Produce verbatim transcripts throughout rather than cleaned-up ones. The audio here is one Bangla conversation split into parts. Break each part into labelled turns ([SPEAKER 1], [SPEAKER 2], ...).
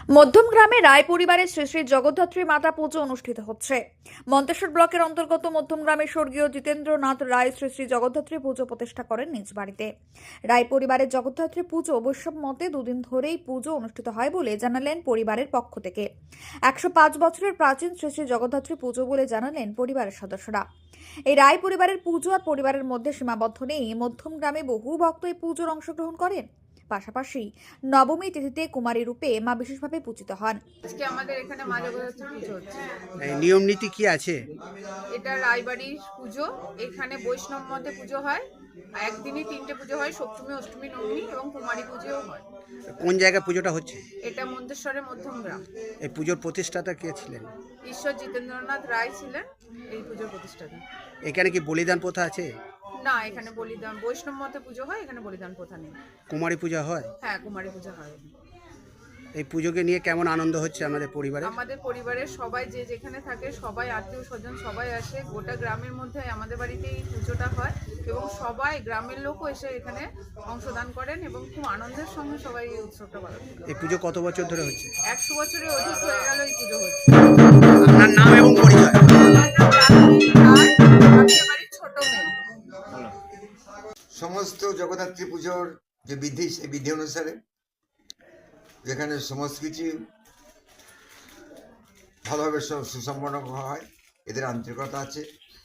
[SPEAKER 1] মধ্যম গ্রামে রায় পরিবারের শ্রী শ্রী জগদ্ধাত্রী মাতা পুজো অনুষ্ঠিত হচ্ছে। মন্তেশ্বর ব্লকের অন্তর্গত মধ্যম গ্রামের স্বর্গীয় জিতেন্দ্রনাথ রায় শ্রী শ্রী জগদ্ধাত্রী পুজো প্রতিষ্ঠা করেন নিজ বাড়িতে। রায় পরিবারের জগদ্ধাত্রী পুজো বৈষ্ণব মতে দুদিন ধরেই পুজো অনুষ্ঠিত হয় বলে জানালেন পরিবারের পক্ষ থেকে। একশো পাঁচ বছরের প্রাচীন শ্রী শ্রী জগদ্ধাত্রী পুজো বলে জানালেন পরিবারের সদস্যরা। এই রায় পরিবারের পুজো আর পরিবারের মধ্যে সীমাবদ্ধ নেই। মধ্যম গ্রামে বহু ভক্ত এই পুজোর অংশগ্রহণ করেন। পাশাপাশি নবমী তিথিতে কুমারী রূপে মা বিশেষভাবে পূজিত হন।
[SPEAKER 2] আজকে আমাদের এখানে মা জগদ্ধাত্রী পুজো হচ্ছে।
[SPEAKER 3] এই নিয়ম নীতি কি আছে?
[SPEAKER 2] এটা রায়বাড়ির পুজো। এখানে বৈষ্ণব মতে পুজো হয়। একদিনই তিনটে পুজো হয়, সপ্তমী, অষ্টমী, নবমী এবং কুমারী পুজোও হয়।
[SPEAKER 3] কোন জায়গায় পুজোটা হচ্ছে?
[SPEAKER 2] এটা মন্তেশ্বরের মধ্যম গ্রাম।
[SPEAKER 3] এই পুজোর প্রতিষ্ঠাতা কে ছিলেন?
[SPEAKER 2] ঈশ্বর জিতেন্দ্রনাথ রায় ছিলেন এই পুজোর প্রতিষ্ঠাতা।
[SPEAKER 3] এখানে কি বলিদান প্রথা আছে?
[SPEAKER 2] না, এখানে বলিদান বৈষ্ণব মতে পুজো হয়, এখানে বলিদান প্রথা নেই।
[SPEAKER 3] কুমারী পূজা হয়?
[SPEAKER 2] হ্যাঁ, কুমারী পুজো হয়।
[SPEAKER 3] এই পুজোকে নিয়ে কেমন আনন্দ হচ্ছে আমাদের পরিবারে?
[SPEAKER 2] আমাদের পরিবারের সবাই যে যেখানে থাকে সবাই আত্মীয় স্বজন সবাই আসে। গোটা গ্রামের মধ্যে আমাদের বাড়িতে এই পুজোটা হয় এবং সবাই গ্রামের লোকও এসে এখানে অংশদান করেন এবং খুব আনন্দের সঙ্গে সবাই এই উৎসবটা পালন করেন।
[SPEAKER 3] এই পুজো কত বছর ধরে হচ্ছে?
[SPEAKER 2] একশো বছরের অধিক হয়ে গেল এই পুজো হচ্ছে।
[SPEAKER 3] আপনার নাম এবং পরিচয়?
[SPEAKER 2] ছোট মেয়ে।
[SPEAKER 4] সমস্ত জগদ্ধাত্রী পুজোর যে বিধি সেই বিধি অনুসারে যেখানে সমস্ত কিছু ভালোভাবে সুসম্পন্ন হয়, এদের আন্তরিকতা আছে।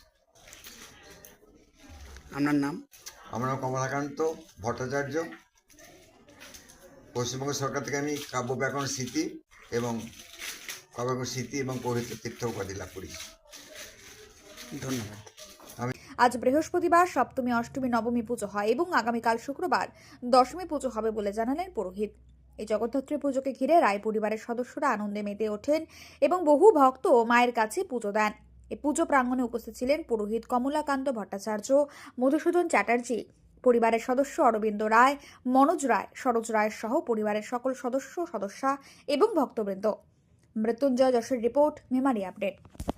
[SPEAKER 3] আপনার নাম?
[SPEAKER 4] আমার নাম কমলাকান্ত ভট্টাচার্য। পশ্চিমবঙ্গ সরকার থেকে আমি কাব্য ব্যাকরণ স্মৃতি এবং কাব্য ব্যাকরণ স্মৃতি এবং পৌরহিত্য তীর্থ উপাধি লাভ করেছি।
[SPEAKER 3] ধন্যবাদ।
[SPEAKER 1] আজ বৃহস্পতিবার সপ্তমী, অষ্টমী, নবমী পুজো হয় এবং আগামীকাল শুক্রবার দশমী পুজো হবে বলে জানালেন পুরোহিত। এই জগদ্ধাত্রী পুজোকে ঘিরে রায় পরিবারের সদস্যরা আনন্দে মেতে ওঠেন এবং বহু ভক্ত মায়ের কাছে পুজো দেন। এই পুজো প্রাঙ্গণে উপস্থিত ছিলেন পুরোহিত কমলাকান্ত ভট্টাচার্য, মধুসূদন চ্যাটার্জি, পরিবারের সদস্য অরবিন্দ রায়, মনোজ রায়, সরোজ রায় সহ পরিবারের সকল সদস্য সদস্যা এবং ভক্তবৃন্দ। মৃত্যুঞ্জয় যশের রিপোর্ট, মেমারি আপডেট।